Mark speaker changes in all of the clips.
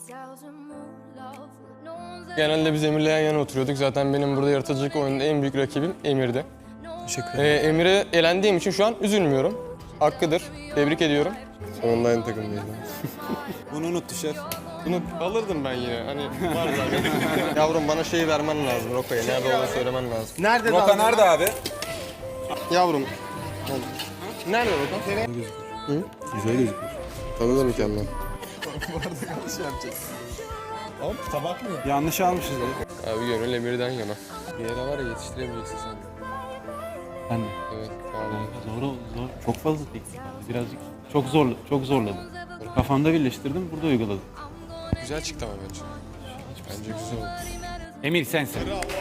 Speaker 1: Genelde biz Emir'le yan yana oturuyorduk. Zaten benim burada yaratıcılık oyununda en büyük rakibim Emir'di.
Speaker 2: Teşekkür ederim.
Speaker 1: Emir'e elendiğim için şu an üzülmüyorum. Hakkıdır. Tebrik ediyorum. Sonunda aynı takımdayız.
Speaker 2: Bunu unuttu şef.
Speaker 1: Bunu alırdım ben yine. Hani var zaten. Yavrum bana şeyi vermen lazım Roka'ya. Nerede olduğunu söylemen lazım.
Speaker 3: Nerede
Speaker 2: Roka nerede abi?
Speaker 1: Yavrum. Nerede Roka? Hı?
Speaker 2: Güzel gözüküyor.
Speaker 1: Tadı da mükemmel.
Speaker 3: Oğlum tabak mı?
Speaker 2: Yanlış almışız dedi.
Speaker 1: Abi gönül Emir'den yana. Bir yere var ya yetiştiremeyeceksin sen.
Speaker 4: Ben de.
Speaker 1: Evet. Vallahi.
Speaker 4: Zor. Çok fazla teknik vardı. Birazcık çok zorladım. Kafamda birleştirdim, burada uyguladım.
Speaker 1: Güzel çıktı ama bence. Bence güzel oldu.
Speaker 4: Emir sensin.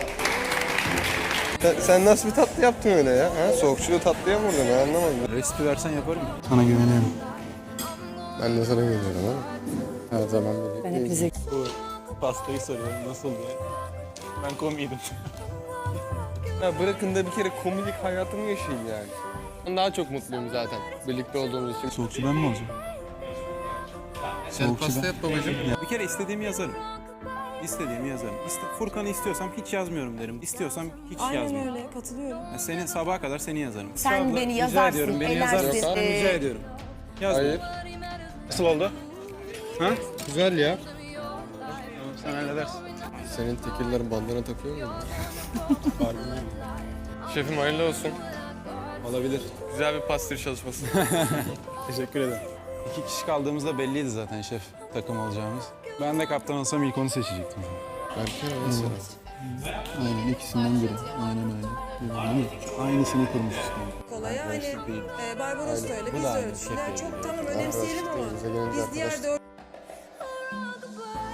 Speaker 1: Sen nasıl bir tatlı yaptın öyle ya? Ha? Soğukçulu tatlıya mı vurdun? Ben anlamadım.
Speaker 2: Resipi versen yaparım.
Speaker 4: Sana güveniyorum.
Speaker 1: Ben de sana güveniyorum ama. Her zaman böyle.
Speaker 4: Bu pastayı soruyorum nasıl diye. Ben komiydim.
Speaker 1: Ya bırakın da bir kere komik hayatımı yaşayayım yani. Ben daha çok mutluyum zaten birlikte olduğumuz için.
Speaker 4: Soğukçu ben mi olacağım?
Speaker 1: Sen pasta yap babacığım.
Speaker 2: Bir kere istediğimi yazarım. İstediğimi yazarım. Furkan'ı istiyorsam hiç yazmıyorum derim. İstiyorsam hiç
Speaker 5: Aynen
Speaker 2: yazmıyorum.
Speaker 5: öyle, katılıyorum.
Speaker 2: Yani seni sabaha kadar seni yazarım.
Speaker 5: Sen
Speaker 2: Abla,
Speaker 5: beni
Speaker 2: rica
Speaker 5: yazarsın,
Speaker 2: ediyorum, beni
Speaker 5: elersin.
Speaker 2: yazar mısın? Rica ediyorum. Yaz.
Speaker 1: Hayır.
Speaker 2: Nasıl oldu? Ha?
Speaker 1: Güzel ya.
Speaker 2: Sen halledersin.
Speaker 1: Senin tekillerin bandana takıyor mu? Şefim hayırlı olsun.
Speaker 2: Olabilir.
Speaker 1: Güzel bir pastır çalışması.
Speaker 2: Teşekkür ederim. 2 kişi kaldığımızda belliydi zaten şef takım olacağımız. Ben de kaptan olsam ilk onu seçecektim.
Speaker 1: Berke mesela.
Speaker 4: Aynen ikisinden biri. Aynen öyle. Yani aynısını kurmuşuz.
Speaker 5: Kolay hani Barbaros da öyle, biz de öyle düşünüyoruz. Çok tamam önemseyelim ama biz diğer dört...